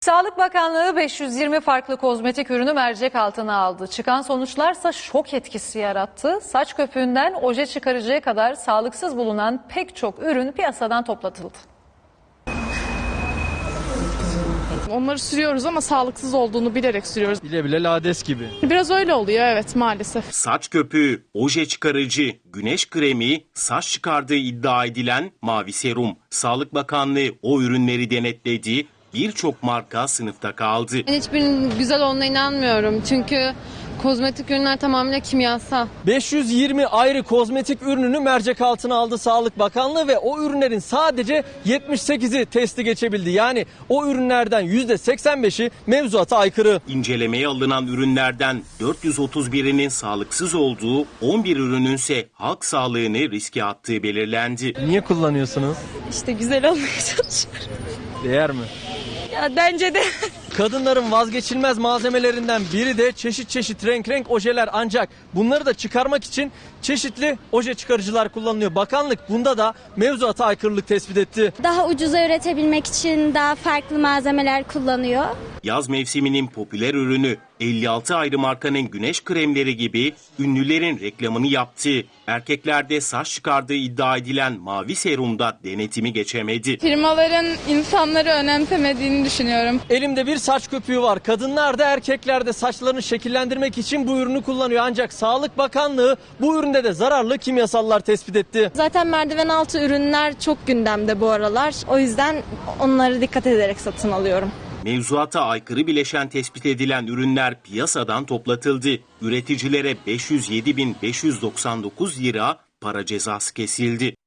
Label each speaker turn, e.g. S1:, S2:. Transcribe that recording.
S1: Sağlık Bakanlığı 520 farklı kozmetik ürünü mercek altına aldı. Çıkan sonuçlarsa şok etkisi yarattı. Saç köpüğünden oje çıkarıcıya kadar sağlıksız bulunan pek çok ürün piyasadan toplatıldı.
S2: Onları sürüyoruz ama sağlıksız olduğunu bilerek sürüyoruz.
S3: Bile bile lades gibi.
S2: Biraz öyle oluyor, evet, maalesef.
S4: Saç köpüğü, oje çıkarıcı, güneş kremi, saç çıkardığı iddia edilen mavi serum. Sağlık Bakanlığı o ürünleri denetledi. Birçok marka sınıfta kaldı.
S5: Ben hiçbirinin güzel olduğuna inanmıyorum. Çünkü kozmetik ürünler tamamıyla kimyasal.
S3: 520 ayrı kozmetik ürününü mercek altına aldı Sağlık Bakanlığı ve o ürünlerin sadece 78'i testi geçebildi. Yani o ürünlerden %85'i mevzuata aykırı.
S4: İncelemeye alınan ürünlerden 431'inin sağlıksız olduğu, 11 ürünün ise halk sağlığını riske attığı belirlendi.
S3: Niye kullanıyorsunuz?
S5: İşte güzel olmaya çalışıyorum.
S3: Değer mi?
S5: Ya bence de.
S3: Kadınların vazgeçilmez malzemelerinden biri de çeşit çeşit renk ojeler, ancak bunları da çıkarmak için çeşitli oje çıkarıcılar kullanılıyor. Bakanlık bunda da mevzuata aykırılık tespit etti.
S6: Daha ucuza üretebilmek için daha farklı malzemeler kullanıyor.
S4: Yaz mevsiminin popüler ürünü 56 ayrı markanın güneş kremleri gibi ünlülerin reklamını yaptığı, erkeklerde saç çıkardığı iddia edilen mavi serumda denetimi geçemedi.
S2: Firmaların insanları önemsemediğini düşünüyorum.
S3: Elimde bir saç köpüğü var. Kadınlar da erkekler de saçlarını şekillendirmek için bu ürünü kullanıyor. Ancak Sağlık Bakanlığı bu üründe de zararlı kimyasallar tespit etti.
S5: Zaten merdiven altı ürünler çok gündemde bu aralar. O yüzden onları dikkat ederek satın alıyorum.
S4: Mevzuata aykırı bileşen tespit edilen ürünler piyasadan toplatıldı. Üreticilere 507.599 lira para cezası kesildi.